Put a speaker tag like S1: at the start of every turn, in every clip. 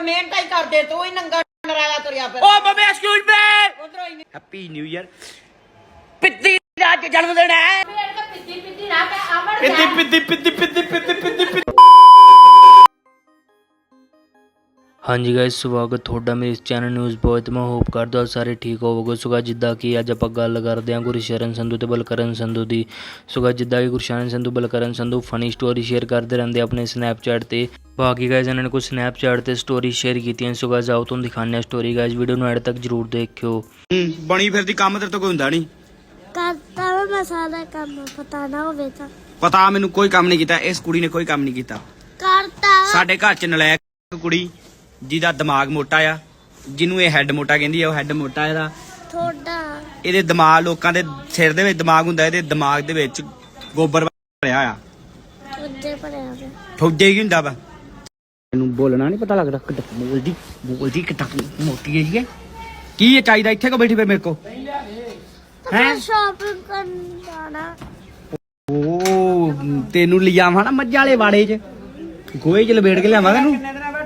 S1: ਮਿਹਨਤ ਹੀ ਕਰਦੇ ਤੂੰ ਹੀ ਨੰਗਾ ਨਰਾਲਾ ਤੁਰਿਆ ਫਿਰ।
S2: ਓ ਮਮੀ ਐਕਸਕਿਊਜ਼ ਮੀ,
S1: ਉਧਰੋਂ ਹੀ
S2: ਹੈਪੀ ਨਿਊ ਇਅਰ। ਪਿੱਤੀ ਦਾ ਅੱਜ ਜਨਮ ਦਿਨ ਹੈ।
S1: ਪਿੱਤੀ ਪਿੱਤੀ ਨਾ ਕਹਿ ਅਮਰ
S2: ਪਿੱਤੀ ਪਿੱਤੀ ਪਿੱਤੀ ਪਿੱਤੀ ਪਿੱਤੀ ਪਿੱਤੀ ਪਿੱਤੀ।
S3: ਹਾਂਜੀ ਗਾਇਸ, ਸਵਾਗਤ ਤੁਹਾਡਾ ਮੇਰੇ ਇਸ ਚੈਨਲ ਨਿਊਜ਼ ਬॉय ਤੇ। ਮੈਂ ਹੋਪ ਕਰਦਾ ਹਾਂ ਸਾਰੇ ਠੀਕ ਹੋਵੋਗੇ। ਸੋ guys, ਜਿੱਦਾਂ ਕਿ ਅੱਜ ਆਪਾਂ ਗੱਲ ਕਰਦੇ ਹਾਂ ਗੁਰਸ਼ਰਨ ਸੰਧੂ ਤੇ ਬਲਕਰਨ ਸੰਧੂ ਦੀ। ਸੋ guys, ਜਿੱਦਾਂ ਕਿ Gursharan Sandhu Balkaran Sandhu funny story share ਕਰਦੇ ਰਹਿੰਦੇ ਆਪਣੇ ਸਨੈਪਚੈਟ ਤੇ। ਬਾਕੀ ਗਾਇਸ ਇਹਨਾਂ ਨੇ ਕੁਝ ਸਨੈਪਚੈਟ ਤੇ ਸਟੋਰੀ ਸ਼ੇਅਰ ਕੀਤੀਆਂ। ਸੋ guys, ਆਓ ਤੁਹਾਨੂੰ ਦਿਖਾਉਂਦੇ ਹਾਂ ਸਟੋਰੀ। ਗਾਇਸ ਵੀਡੀਓ ਨੂੰ ਐਡ ਤੱਕ ਜਰੂਰ ਦੇਖਿਓ।
S2: ਬਣੀ ਫਿਰਦੀ ਕੰਮ ਤੇਰੇ ਤੋਂ ਕੋਈ ਹੁੰਦਾ ਨਹੀਂ।
S4: ਕਰਤਾ ਵਾ ਮੈਂ ਸਾਰਾ ਕੰਮ, ਪਤਾ ਨਾ ਹੋਵੇ ਤਾਂ।
S2: ਪਤਾ ਮੈਨੂੰ ਕੋਈ ਕੰਮ ਨਹੀਂ ਕੀਤਾ, ਇਸ ਕੁੜੀ ਨੇ ਕੋਈ ਕੰਮ ਨਹੀਂ ਕੀਤਾ।
S4: ਕਰਤਾ ਵਾ।
S2: ਸਾਡੇ ਘਰ ਚ ਨਲਾਇਕ ਕੁੜੀ ਜਿਹਦਾ ਦਿਮਾਗ ਮੋਟਾ ਆ, ਜਿਹਨੂੰ ਇਹ ਹੈੱਡ ਮੋਟਾ ਕਹਿੰਦੀ ਆ, ਉਹ ਹੈੱਡ ਮੋਟਾ ਇਹਦਾ।
S4: ਥੋੜਾ
S2: ਇਹਦੇ ਦਿਮਾਗ ਲੋਕਾਂ ਦੇ ਸਿਰ ਦੇ ਵਿੱਚ ਦਿਮਾਗ ਹੁੰਦਾ, ਇਹਦੇ ਦਿਮਾਗ ਦੇ ਵਿੱਚ ਗੋਬਰ ਭਰਿਆ ਆ।
S4: ਉੱਤੇ ਭਰਿਆ ਵਾ।
S2: ਠੋਜੇ ਕੀ ਹੁੰਦਾ ਵਾ। ਇਹਨੂੰ ਬੋਲਣਾ ਨਹੀਂ ਪਤਾ ਲੱਗਦਾ, ਬੋਲਦੀ ਕਿੱਦਾਂ ਮੋਟੀ ਹੈ ਜੀ। ਕੀ ਚਾਹੀਦਾ ਇੱਥੇ ਕੋ ਬੈਠੀ ਪਈ ਮੇਰੇ ਕੋ
S4: ਮੈਂ ਸ਼ਾਪਿੰਗ ਕਰਨ ਜਾਣਾ।
S2: ਓ ਤੈਨੂੰ ਲਿਜਾਵਾਂ ਨਾ ਮੱਝਾਂ ਵਾਲੇ ਵਾੜੇ ਚ, ਗੋਹੇ ਚ ਲਪੇਟ ਕੇ ਲਿਆਵਾਂ ਤੈਨੂੰ।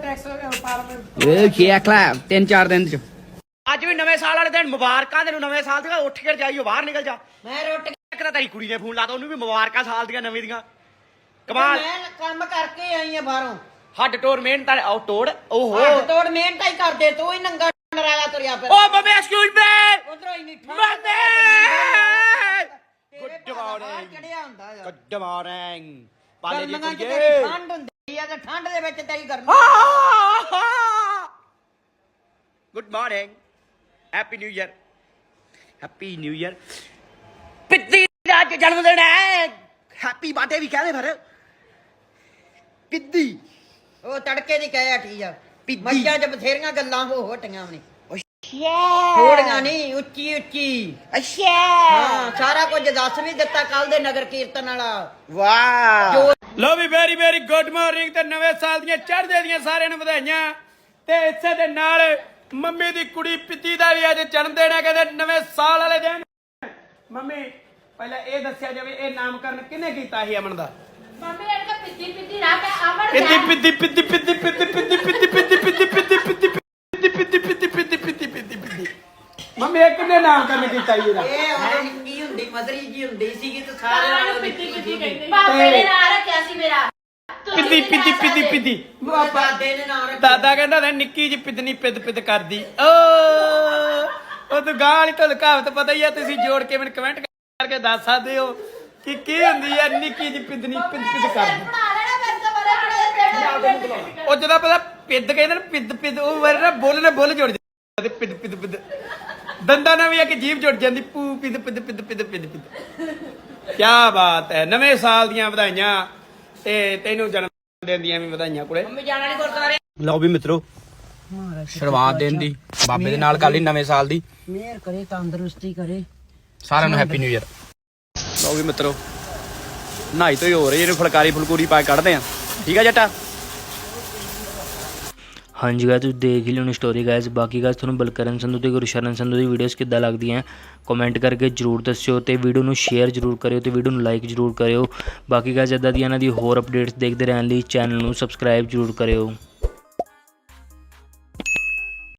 S2: ਇਹ ਚੈੱਕ ਲੈ 3-4 ਦਿਨ ਚ। ਅੱਜ ਵੀ ਨਵੇਂ ਸਾਲ ਵਾਲੇ ਦਿਨ ਮੁਬਾਰਕਾਂ ਤੈਨੂੰ। ਨਵੇਂ ਸਾਲ ਦੀਆਂ ਉੱਠ ਕੇ ਜਾਈਓ, ਬਾਹਰ ਨਿਕਲ ਜਾ।
S1: ਮੈਂ ਰੋਟੀ
S2: ਇੱਕ ਤਾਂ ਤੇਰੀ ਕੁੜੀ ਨੇ ਫੋਨ ਲਾਤਾ, ਉਹਨੂੰ ਵੀ ਮੁਬਾਰਕਾਂ ਸਾਲ ਦੀਆਂ ਨਵੇਂ ਦੀਆਂ। ਕਮਾਲ।
S1: ਮੈਂ ਕੰਮ ਕਰਕੇ ਆਈ ਆ ਬਾਹਰੋਂ।
S2: ਹੱਡ ਤੋੜ ਮਿਹਨਤ ਉਹ ਤੋੜ। ਓਹੋ
S1: ਹੱਥ ਤੋੜ ਮਿਹਨਤ ਹੀ ਕਰਦੇ ਤੂੰ ਹੀ ਨੰਗਾ ਨਰਾਲਾ ਤੁਰਿਆ ਫਿਰ।
S2: ਓ ਮਮੀ ਐਕਸਕਿਊਜ਼ ਮੀ,
S1: ਉਧਰੋਂ ਹੀ ਨਹੀਂ
S2: ਮਮੀ। ਗੁੱਡ ਮਾਰਨਿੰਗ,
S1: ਚੜਿਆ ਹੁੰਦਾ ਆ।
S2: Good morning. ਪਾਲੇ ਦੀ
S1: ਗਰਮੀਆਂ ਚ
S2: ਕੁੜੀਏ।
S1: ਤੇਰੀ ਠੰਡ ਹੁੰਦੀ ਆ ਤੇ ਠੰਡ ਦੇ ਵਿੱਚ ਤੇਰੀ ਗਰਮੀ।
S2: Good morning, happy new year, happy new year. ਪਿੱਤੀ ਦਾ ਅੱਜ ਜਨਮ ਦਿਨ ਹੈ। ਹੈਪੀ ਬਰਥਡੇ ਵੀ ਕਹਦੇ ਫਿਰ। ਪਿੱਦੀ
S1: ਉਹ ਤੜਕੇ ਦੀ ਕਹਿ ਹਟੀ ਆ।
S2: ਪਿੱਦੀ।
S1: ਮੱਝਾਂ 'ਚ ਬਥੇਰੀਆਂ ਗੱਲਾਂ ਹੋ ਹਟੀਆਂ ਨੇ।
S2: ਅੱਛਾ
S1: ਥੋੜੀਆਂ ਨਹੀਂ, ਉੱਚੀ ਉੱਚੀ।
S2: ਅੱਛਾ
S1: ਹਾਂ, ਸਾਰਾ ਕੁਝ ਦੱਸ ਵੀ ਦਿੱਤਾ ਕੱਲ ਦੇ ਨਗਰ ਕੀਰਤਨ ਵਾਲਾ।
S2: ਵਾਹ। ਲੋ ਵੀ ਵੈਰੀ ਵੈਰੀ ਗੁੱਡ ਮਾਰਨਿੰਗ ਤੇ ਨਵੇਂ ਸਾਲ ਦੀਆਂ ਚੜ੍ਹਦੇ ਦੀਆਂ ਸਾਰਿਆਂ ਨੂੰ ਵਧਾਈਆਂ। ਤੇ ਇਸੇ ਦੇ ਨਾਲ ਮੰਮੀ ਦੀ ਕੁੜੀ ਪਿੱਤੀ ਦਾ ਵੀ ਅੱਜ ਜਨਮ ਦਿਨ ਹੈ। ਕਹਿੰਦੇ ਨਵੇਂ ਸਾਲ ਵਾਲੇ ਦਿਨ। ਮੰਮੀ ਪਹਿਲਾਂ ਇਹ ਦੱਸਿਆ ਜਾਵੇ, ਇਹ ਨਾਮਕਰਨ ਕਿਹਨੇ ਕੀਤਾ ਸੀ ਅਮਨ ਦਾ?
S1: ਮੰਮੀ ਇਹ ਤਾਂ ਪਿੱਤੀ ਪਿੱਤੀ ਨਾ ਕਹਿ ਅਮਰ
S2: ਪਿੱਤੀ ਪਿੱਤੀ ਪਿੱਤੀ ਪਿੱਤੀ ਪਿੱਤੀ ਪਿੱਤੀ ਪਿੱਤੀ ਪਿੱਤੀ ਪਿੱਤੀ ਪਿੱਤੀ ਪਿੱਤੀ ਪਿੱਤੀ ਪਿੱਤੀ ਪਿੱਤੀ ਪਿੱਤੀ ਪਿੱਤੀ ਪਿੱਤੀ। ਮੰਮੀ ਇਹ ਕਿਹਨੇ ਨਾਮਕਰਨ ਕੀਤਾ ਸੀ ਇਹਦਾ?
S1: ਇਹ ਉਹ ਨਿੱਕੀ ਹੁੰਦੀ ਮਦਰੀ ਜੀ ਹੁੰਦੀ ਸੀਗੀ ਤੇ ਸਾਰਿਆਂ ਨੂੰ ਪਿੱਤੀ ਪਿੱਤੀ ਕਹਿੰਦੇ।
S4: ਪਾਪੇ ਨੇ ਨਾਂ ਰੱਖਿਆ ਸੀ ਮੇਰਾ।
S2: ਪਿੱਤੀ ਪਿੱਤੀ ਪਿੱਤੀ ਪਿੱਤੀ।
S1: ਦਾਦੇ ਨੇ ਨਾਂ ਰੱਖਿਆ।
S2: ਦਾਦਾ ਕਹਿੰਦਾ ਤਾਂ ਨਿੱਕੀ ਜੀ ਪਿੱਤਨੀ ਪਿੱਦ ਪਿੱਦ ਕਰਦੀ। ਉਹ ਤੂੰ ਗਾਂ ਵਾਲੀ ਤੋਂ ਕਹਾਵਤ ਪਤਾ ਹੀ ਆ, ਤੁਸੀਂ ਜੋੜ ਕੇ ਮੈਨੂੰ ਕਮੈਂਟ ਕਰਕੇ ਦੱਸ ਸਕਦੇ ਹੋ ਕਿ ਕੀ ਹੁੰਦੀ ਆ ਨਿੱਕੀ ਜੀ ਪਿੱਦਨੀ ਪਿੱਦ ਪਿੱਦ ਕਰਦੀ। ਉਹ ਜਦੋਂ ਪਤਾ ਪਿੱਦ ਕਹਿੰਦੇ ਨੇ ਪਿੱਦ ਪਿੱਦ, ਉਹ ਵਾਰ ਨਾ ਬੁੱਲ ਜੁੜ ਜਾਂਦੇ। ਪਿੱਦ ਪਿੱਦ ਪਿੱਦ ਦੰਦਾਂ ਨਾਲ ਵੀ ਆ ਕਿ ਜੀਭ ਜੁੜ ਜਾਂਦੀ। ਪੂ ਪਿੱਦ ਪਿੱਦ ਪਿੱਦ ਪਿੱਦ ਪਿੱਦ ਪਿੱਦ। ਕੀ ਬਾਤ ਹੈ। ਨਵੇਂ ਸਾਲ ਦੀਆਂ ਵਧਾਈਆਂ ਤੇ ਤੈਨੂੰ ਜਨਮ ਦਿਨ ਦੀਆਂ ਵੀ ਵਧਾਈਆਂ ਕੁੜੇ।
S1: ਮੰਮੀ ਜਾਣਾ ਨਹੀਂ ਗੁਰਦੁਆਰੇ।
S2: ਲਓ ਵੀ ਮਿੱਤਰੋ, ਸ਼ੁਰੂਆਤ ਦਿਨ ਦੀ ਬਾਬੇ ਦੇ ਨਾਲ ਕਰ ਲਈ ਨਵੇਂ ਸਾਲ ਦੀ।
S1: ਮਿਹਰ ਕਰੇ, ਤੰਦਰੁਸਤੀ ਕਰੇ
S2: ਸਾਰਿਆਂ ਨੂੰ ਹੈਪੀ ਨਿਊ ਇਅਰ। ਲਓ ਵੀ ਮਿੱਤਰੋ, ਨਹਾਈ ਤੋਂ ਹੀ ਹੋ ਰਹੀ, ਇਹਨੂੰ ਫੁਲਕਾਰੀ ਫੁਲਕੂਰੀ ਪਾ ਕੇ ਕੱਢਦੇ ਆ। ਠੀਕ ਆ ਜੱਟਾ।
S3: ਹਾਂਜੀ ਗਾਇਸ, ਤੁਸੀਂ ਦੇਖ ਹੀ ਲਿਓਣੀ ਸਟੋਰੀ ਗਾਇਸ। ਬਾਕੀ ਗਾਇਸ ਤੁਹਾਨੂੰ ਬਲਕਰਨ ਸੰਧੂ ਤੇ ਗੁਰਸ਼ਰਨ ਸੰਧੂ ਦੀ ਵੀਡੀਓਜ਼ ਕਿੱਦਾਂ ਲੱਗਦੀਆਂ ਕਮੈਂਟ ਕਰਕੇ ਜਰੂਰ ਦੱਸਿਓ। ਤੇ ਵੀਡੀਓ ਨੂੰ ਸ਼ੇਅਰ ਜਰੂਰ ਕਰਿਓ ਤੇ ਵੀਡੀਓ ਨੂੰ ਲਾਈਕ ਜਰੂਰ ਕਰਿਓ। ਬਾਕੀ ਗਾਇਸ ਇੱਦਾਂ ਦੀਆਂ ਇਹਨਾਂ ਦੀ ਹੋਰ ਅਪਡੇਟਸ ਦੇਖਦੇ ਰਹਿਣ ਲਈ ਚੈਨਲ ਨੂੰ ਸਬਸਕ੍ਰਾਈਬ ਜਰੂਰ ਕਰਿਓ।